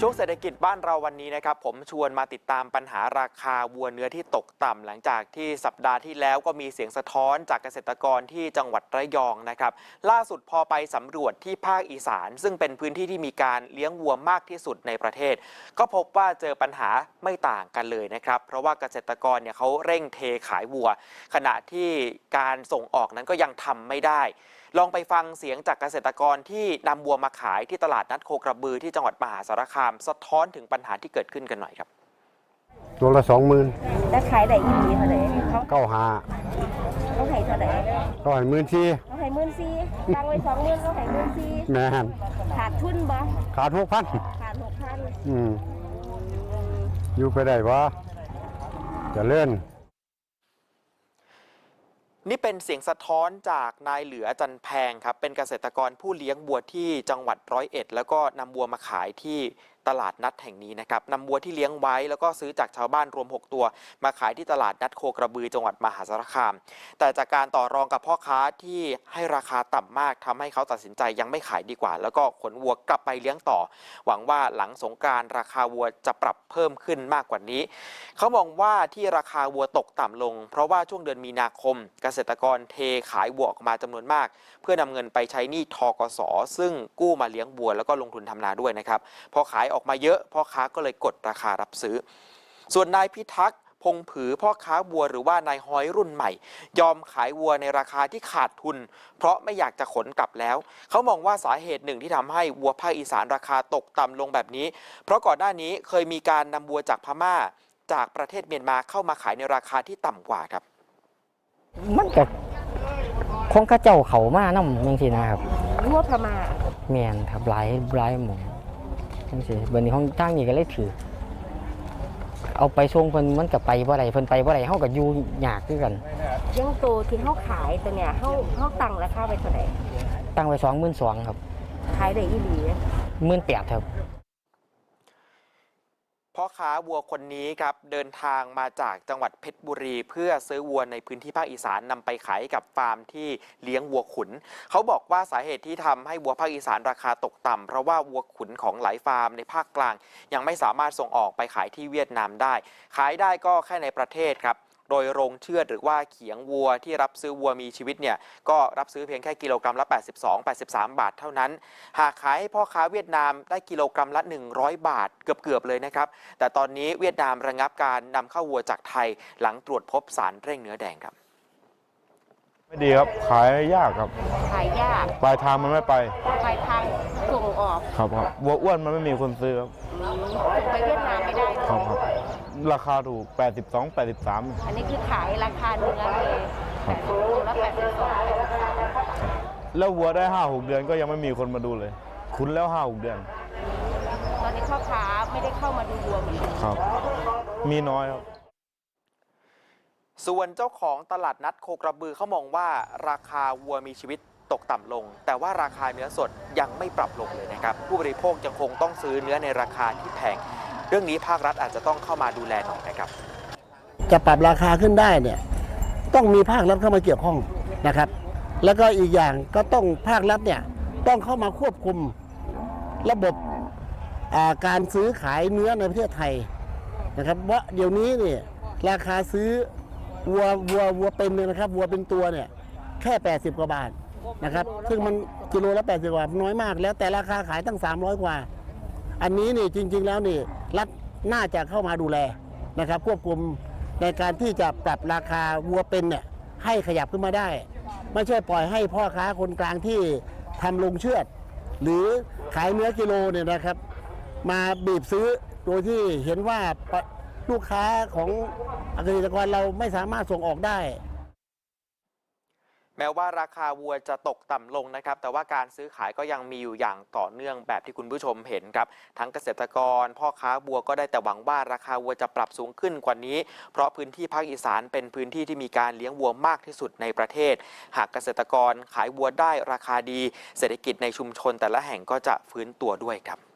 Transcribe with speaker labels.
Speaker 1: ช่วงเศรษฐกิจบ้านเราวันนี้นะครับผมชวนมาติดตามปัญหาราคาวัวเนื้อที่ตกต่ำหลังจากที่สัปดาห์ที่แล้วก็มีเสียงสะท้อนจากเกษตรกรที่จังหวัดระยองนะครับล่าสุดพอไปสำรวจที่ภาคอีสานซึ่งเป็นพื้นที่ที่มีการเลี้ยงวัวมากที่สุดในประเทศก็พบว่าเจอปัญหาไม่ต่างกันเลยนะครับเพราะว่าเกษตรกรเนี่ยเขาเร่งเทขายวัวขณะที่การส่งออกนั้นก็ยังทำไม่ได้ลองไปฟังเสียงจากเกษตรกรที่นำวัวมาขายที่ตลาดนัดโคกระบือที่จังหวัดมหาสารคามสะท้อนถึงปัญหาที่เกิดขึ้นกันหน่อยครับ
Speaker 2: ตัวละ20,000
Speaker 3: แล้วขายได้อีหลีเท่าไหร่
Speaker 2: เขา
Speaker 3: เขาให้เท่าไหร่
Speaker 2: เขาให้14,000
Speaker 3: เขาให้14,000ตั้งไว้20,000เขาให้14,000
Speaker 2: แม่น
Speaker 3: ขาดทุนบ่
Speaker 2: ขาด6,000
Speaker 3: ขาด6,000
Speaker 2: อยู่ไปได้บ่จะเลื่อน
Speaker 1: นี่เป็นเสียงสะท้อนจากนายเหลือจันแพงครับเป็นเกษตรกรผู้เลี้ยงวัวที่จังหวัด101แล้วก็นำวัวมาขายที่ตลาดนัดแห่งนี้นะครับนำวัวที่เลี้ยงไว้แล้วก็ซื้อจากชาวบ้านรวม6ตัวมาขายที่ตลาดนัดโคกระบือจังหวัดมหาสารคามแต่จากการต่อรองกับพ่อค้าที่ให้ราคาต่ำมากทำให้เขาตัดสินใจยังไม่ขายดีกว่าแล้วก็ขนวัวกลับไปเลี้ยงต่อหวังว่าหลังสงกรานต์ราคาวัวจะปรับเพิ่มขึ้นมากกว่านี้เขามองว่าที่ราคาวัวตกต่ำลงเพราะว่าช่วงเดือนมีนาคมเกษตรกรเทขายวัวออกมาจำนวนมากเพื่อนำเงินไปใช้หนี้ธกส.ซึ่งกู้มาเลี้ยงวัวแล้วก็ลงทุนทำนาด้วยนะครับพอขายออกมาเยอะพ่อค้าก็เลยกดราคารับซื้อส่วนนายพิทักษ์พงผือพ่อค้าวัวหรือว่านายฮ้อยรุ่นใหม่ยอมขายวัวในราคาที่ขาดทุนเพราะไม่อยากจะขนกลับแล้วเขามองว่าสาเหตุหนึ่งที่ทำให้วัวภาคอีสานราคาตกต่ำลงแบบนี้เพราะก่อนหน้านี้เคยมีการนำวัวจากพม่าจากประเทศเมียนมาเข้ามาขายในราคาที่ต่ำกว่าครับ
Speaker 4: มันก็คงข้าเจ้าเขามานำจังซี่นะครับ
Speaker 3: วัวพม่า
Speaker 4: แม่นครับหลายหมู่จังซี่บัดนี้ของทางนี้ก็เลยถือเอาไปส่งเพิ่นมันก็ไปบ่ได้เพิ่นไปบ่ได้เฮาก็อยู่ยากคือกัน
Speaker 3: ยังโตที่เฮาขายตัวเนี่ยเฮาตั้งราคาไว้เท่าใด
Speaker 4: ตั้งไว้22,000ครับ
Speaker 3: ขายได้อีหลี
Speaker 4: 18,000ครับ
Speaker 1: พ่อค้าวัวคนนี้ครับเดินทางมาจากจังหวัดเพชรบุรีเพื่อซื้อวัวในพื้นที่ภาคอีสานนำไปขายกับฟาร์มที่เลี้ยงวัวขุนเขาบอกว่าสาเหตุที่ทำให้วัวภาคอีสานราคาตกต่ำเพราะว่าวัวขุนของหลายฟาร์มในภาคกลางยังไม่สามารถส่งออกไปขายที่เวียดนามได้ขายได้ก็แค่ในประเทศครับโดยโรงเชือดหรือว่าเขียงวัวที่รับซื้อวัวมีชีวิตเนี่ยก็รับซื้อเพียงแค่กิโลกรัมละ82-83 บาทเท่านั้นหากขายให้พ่อค้าเวียดนามได้กิโลกรัมละ100 บาทเกือบเลยนะครับแต่ตอนนี้เวียดนามระงับการนำเข้าวัวจากไทยหลังตรวจพบสารเร่งเนื้อแดงครับ
Speaker 2: ไม่ดีครับขายยากครับ
Speaker 3: ขายยาก
Speaker 2: ปลายทางมันไม่ไป
Speaker 3: ปลายทางส่งออก
Speaker 2: ครับวัวอ้วนมันไม่มีคนซื้อครับ
Speaker 3: ส่งไปเวียดนามไม่ได้
Speaker 2: ครับราคาถูก82-83
Speaker 3: อันนี้คือขายราคาเนื้อเลยตัวละ82
Speaker 2: แล้ววัวได้ 5-6 เดือนก็ยังไม่มีคนมาดูเลยคุ้นแล้ว 5-6 เดือน
Speaker 3: ตอนนี้พ่อค้าไม่ได้เข้ามาดูวัวเหมือนกัน
Speaker 2: ครับมีน้อยครับ
Speaker 1: ส่วนเจ้าของตลาดนัดโคกระบือเขามองว่าราคาวัวมีชีวิตตกต่ำลงแต่ว่าราคาเนื้อสดยังไม่ปรับลงเลยนะครับผู้บริโภคยังคงต้องซื้อเนื้อในราคาที่แพงเรื่องนี้ภาครัฐอาจจะต้องเข้ามาดูแลหน่อยนะครับ
Speaker 5: จะปรับราคาขึ้นได้เนี่ยต้องมีภาครัฐเข้ามาเกี่ยวข้องนะครับแล้วก็อีกอย่างก็ต้องภาครัฐเนี่ยต้องเข้ามาควบคุมระบบการซื้อขายเนื้อในประเทศไทยนะครับว่าเดี๋ยวนี้เนี่ยราคาซื้อวัวเป็นเนี่ยนะครับวัวเป็นตัวเนี่ยแค่80 กว่าบาทนะครับซึ่งมันกิโลละ80 กว่าน้อยมากแล้วแต่ราคาขายตั้ง300 กว่าอันนี้นี่จริงๆแล้วนี่รัฐน่าจะเข้ามาดูแลนะครับควบคุมในการที่จะปรับราคาวัวเป็นเนี่ยให้ขยับขึ้นมาได้ไม่ใช่ปล่อยให้พ่อค้าคนกลางที่ทำลงเชือดหรือขายเนื้อกิโลเนี่ยนะครับมาบีบซื้อโดยที่เห็นว่าลูกค้าของเกษตรกรเราไม่สามารถส่งออกได้
Speaker 1: แม้ว่าราคาวัวจะตกต่ำลงนะครับแต่ว่าการซื้อขายก็ยังมีอยู่อย่างต่อเนื่องแบบที่คุณผู้ชมเห็นครับทั้งเกษตรกรพ่อค้าวัวก็ได้แต่หวังว่าราคาวัวจะปรับสูงขึ้นกว่านี้เพราะพื้นที่ภาคอีสานเป็นพื้นที่ที่มีการเลี้ยงวัวมากที่สุดในประเทศหากเกษตรกรขายวัวได้ราคาดีเศรษฐกิจในชุมชนแต่ละแห่งก็จะฟื้นตัวด้วยครับ